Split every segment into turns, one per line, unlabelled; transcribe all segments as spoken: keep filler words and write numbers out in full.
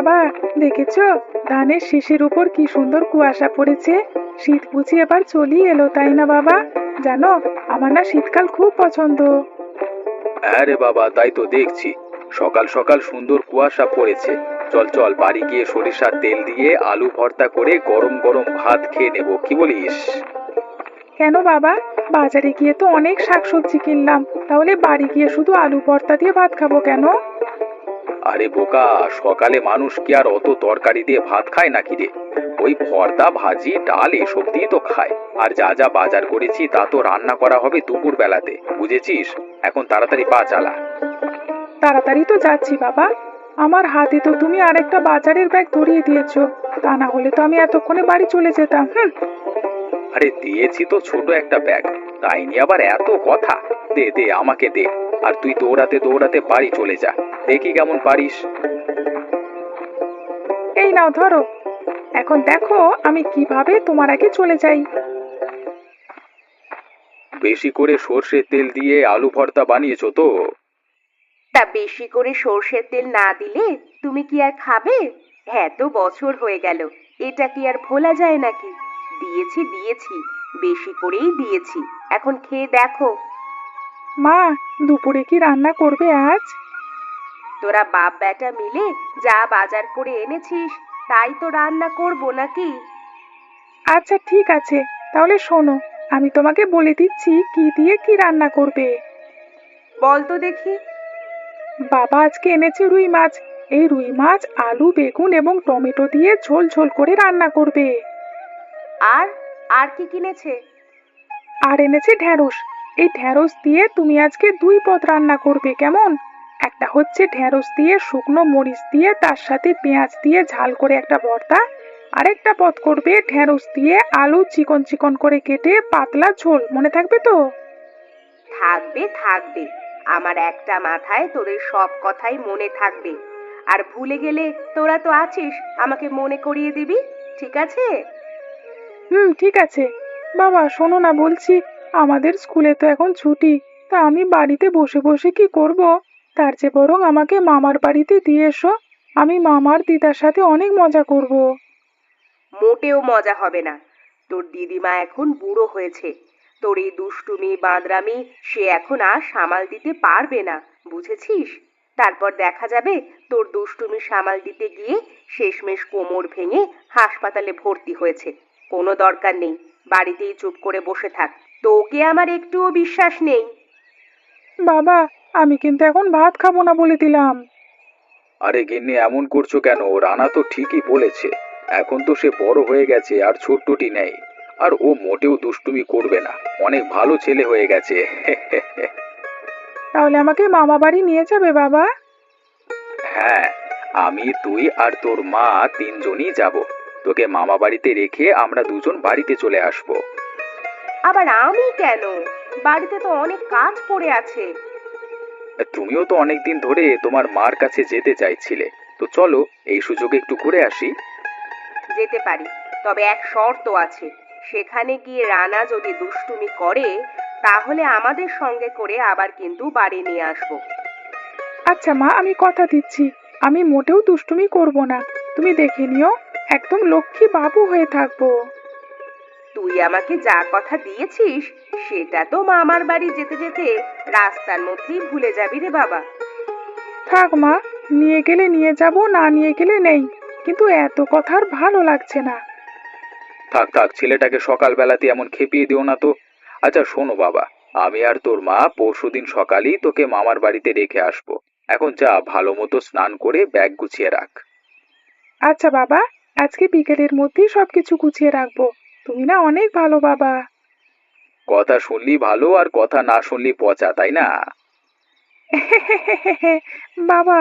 বাবা, দেখেছো ধানের শীষের উপর কি সুন্দর কুয়াশা পড়েছে। শীত বুঝি এবার চলেই এলো, তাই না বাবা? জানো, আমার না শীতকাল খুব পছন্দ।
হ্যাঁ রে বাবা, তাই তো দেখছি। সকাল সকাল সুন্দর কুয়াশা পড়েছে। চল চল, বাড়ি গিয়ে সরিষার তেল দিয়ে আলু ভর্তা করে গরম গরম ভাত খেয়ে নেবো, কি বলিস?
কেন বাবা? বাজারে গিয়ে তো অনেক শাকসবজি কিনলাম, তাহলে বাড়ি গিয়ে শুধু আলু ভর্তা দিয়ে ভাত খাবো কেন?
আরে বোকা, সকালে মানুষ কি আর অত তরকারি দিয়ে ভাত খায় নাকি রে? ওই ভর্তা ভাজি ডাল এসব দিয়ে তো খায়। আর যা যা বাজার করেছি তা তো রান্না করা হবে দুপুর বেলাতে, বুঝেছিস? এখন তাড়াতাড়ি পা চালা।
তাড়াতাড়ি তো যাচ্ছি বাবা। আমার হাতে তো তুমি আরেকটা বাজারের ব্যাগ ধরিয়ে দিয়েছো, তা না হলে তো আমি এতক্ষণে বাড়ি চলে যেতাম। হুম।
আরে দিয়েছি তো ছোট একটা ব্যাগ, তাই নিয়ে আবার এত কথা। দে দে, আমাকে দে। আর তুই দৌড়াতে দৌড়াতে বাড়ি চলে যা, দেখি কেমন পারিস।
এই নাও ধরো। এখন দেখো আমি কিভাবে তোমার আগে চলে যাই।
বেশি করে সর্ষের তেল দিয়ে আলু ভর্তা বানিয়েছো তো?
তা বেশি করে সর্ষের তেল না দিলে তুমি কি আর খাবে? এত বছর হয়ে গেল, এটা কি আর ভোলা যায় নাকি? দিয়েছি দিয়েছি, বেশি করেই দিয়েছি। এখন খেয়ে দেখো।
মা, দুপুরে কি রান্না করবে আজ?
তোরা বাপ বেটা মিলে যা বাজার করে এনেছিস তাই তো রান্না করবো নাকি?
আচ্ছা ঠিক আছে, তাহলে শোনো, আমি তোমাকে বলে দিচ্ছি কি দিয়ে কি রান্না করবে।
বল তো দেখি।
বাবা আজকে এনেছে রুই মাছ। এই রুই মাছ আলু বেগুন এবং টমেটো দিয়ে ঝোল ঝোল করে রান্না করবে।
আর আর কি কিনেছে?
আর এনেছে ঢ্যাঁড়স। এই ঢ্যাঁড়স দিয়ে তুমি আজকে দুই পদ রান্না করবে, কেমন? একটা হচ্ছে ঢ্যাঁড়স দিয়ে শুকনো মরিচ দিয়ে তার সাথে পেঁয়াজ দিয়ে ঝাল করে একটা ভর্তা। আরেকটা পদ করবে ঢ্যাঁড়স দিয়ে আলু চিকন চিকন করে কেটে পাতলা ঝোল, মনে থাকবে তো?
থাকবে থাকবে, আমার একটা মাথায় তোদের সব কথাই মনে থাকবে। আর ভুলে গেলে তোরা তো আছিস, আমাকে মনে করিয়ে দিবি, ঠিক আছে?
হুম, ঠিক আছে। বাবা শোনো না, বলছি আমাদের স্কুলে তো এখন ছুটি, তা আমি বাড়িতে বসে বসে কি করব? তার চেয়ে বরং আমাকে মামার বাড়িতে দিয়ে এসো। আমি মামার দিদার সাথে অনেক মজা করব।
মোটেও মজা হবে না। তোর দিদিমা এখন বুড়ো হয়েছে। তোর এই দুষ্টুমি বাঁদরামি সে এখন আর সামাল দিতে পারবে না, বুঝেছিস? তারপর দেখা যাবে তোর দুষ্টুমি সামাল দিতে গিয়ে শেষমেশ কোমর ভেঙে হাসপাতালে ভর্তি হয়েছে। কোনো দরকার নেই, বাড়িতেই চুপ করে বসে থাক। তোকে আমার একটুও বিশ্বাস নেই।
বাবা, আমি কিন্তু এখন ভাত খাবো না বলে দিলাম।
আরে গিন্নি, এমন করছো কেন? রানা তো ঠিকই বলেছে। এখন তো সে বড় হয়ে গেছে আর ছোট্টটি নেই। আর ও মোটেও দুষ্টুমি করবে না, অনেক ভালো ছেলে হয়ে গেছে।
তাহলে আমাকে মামা বাড়ি নিয়ে যাবে বাবা?
হ্যাঁ, আমি তুই আর তোর মা তিনজনই যাব। তোকে মামা বাড়িতে রেখে আমরা দুজন বাড়িতে চলে আসবো।
আবার আমি কেন? বাড়িতে তো অনেক কাজ পড়ে আছে।
তুমিও তো অনেকদিন ধরে তোমার মার কাছে যেতে চাইছিলে, তো চলো এই সুযোগে একটু ঘুরে আসি।
যেতে পারি, তবে এক শর্ত আছে। সেখানে গিয়ে রানা যদি দুষ্টুমি করে তাহলে আমাদের সঙ্গে করে আবার কিন্তু বাড়ি নিয়ে আসবো।
আচ্ছা মা, আমি কথা দিচ্ছি, আমি মোটেও দুষ্টুমি করব না। তুমি দেখে নিও, একদম লক্ষ্মী বাবু হয়ে থাকবো।
তুই আমাকে যা কথা দিয়েছিস সেটা তো মামার বাড়ি যেতে যেতে রাস্তার মধ্যেই ভুলে যাবি রে বাবা।
থাক মা, নিয়ে গেলে নিয়ে যাব, না নিয়ে গেলে নেই। কিন্তু এত কথা আর ভালো লাগছে না।
থাক থাক, ছেলেটাকে সকালবেলাতে এমন খেপিয়ে দিও না তো। আচ্ছা শোনো বাবা, আমি আর তোর মা পরশুদিন সকালেই তোকে মামার বাড়িতে রেখে আসবো। এখন যা, ভালো মতো স্নান করে ব্যাগ গুছিয়ে রাখ।
আচ্ছা বাবা, আজকে বিকেলের মধ্যেই সবকিছু গুছিয়ে রাখবো। তুমি না অনেক ভালো বাবা।
কথা শুনলি ভালো, আর কথা না শুনলি পচা, তাই না?
বাবা,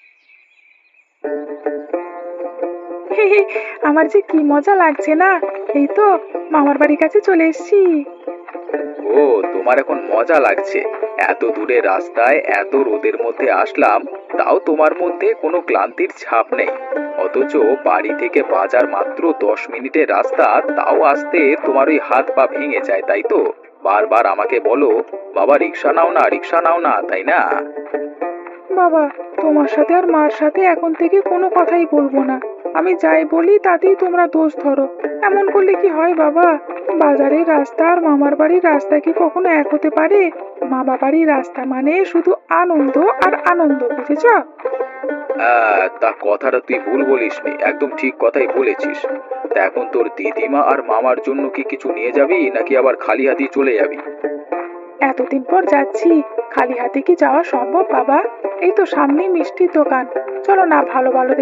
আমার যে কি মজা লাগছে না। এই তো মামার বাড়ির কাছে চলে এসেছি।
ও, তোমার এখন মজা লাগছে? এত দূরে রাস্তায় এত রোদের মধ্যে আসলাম, তাও তোমার মধ্যে কোনো ক্লান্তির ছাপ নেই। অথচ বাড়ি থেকে বাজার মাত্র দশ মিনিটের রাস্তা, তাও আসতে তোমার ওই হাত পা ভেঙে যায়, তাই তো? বারবার আমাকে বলো, বাবা রিক্সা নাও না, রিক্সা নাও না, তাই না?
বাবা, তোমার সাথে আর মার সাথে এখন থেকে কোনো কথাই বলবো না। আমি যাই বলি তাতেই তোমরা দোষ ধরো। এমন করলে কি হয় বাবা? বাজারের রাস্তা আর মামার বাড়ির রাস্তা কি কখনো এক হতে পারে? মামা বাড়ির রাস্তা মানে শুধু আনন্দ আর আনন্দ, বুঝেছ?
আহ, তা কথাটা তুই ভুল বলিসনি, একদম ঠিক কথাই বলেছিস। তা এখন তোর দিদিমা আর মামার জন্য কি কিছু নিয়ে যাবি নাকি আবার খালি হাতেই চলে যাবি?
এতদিন পর যাচ্ছি, খালি হাতে কি যাওয়া সম্ভব বাবা? এই তো সামনেই মিষ্টির দোকান, চলো না ভালো ভালো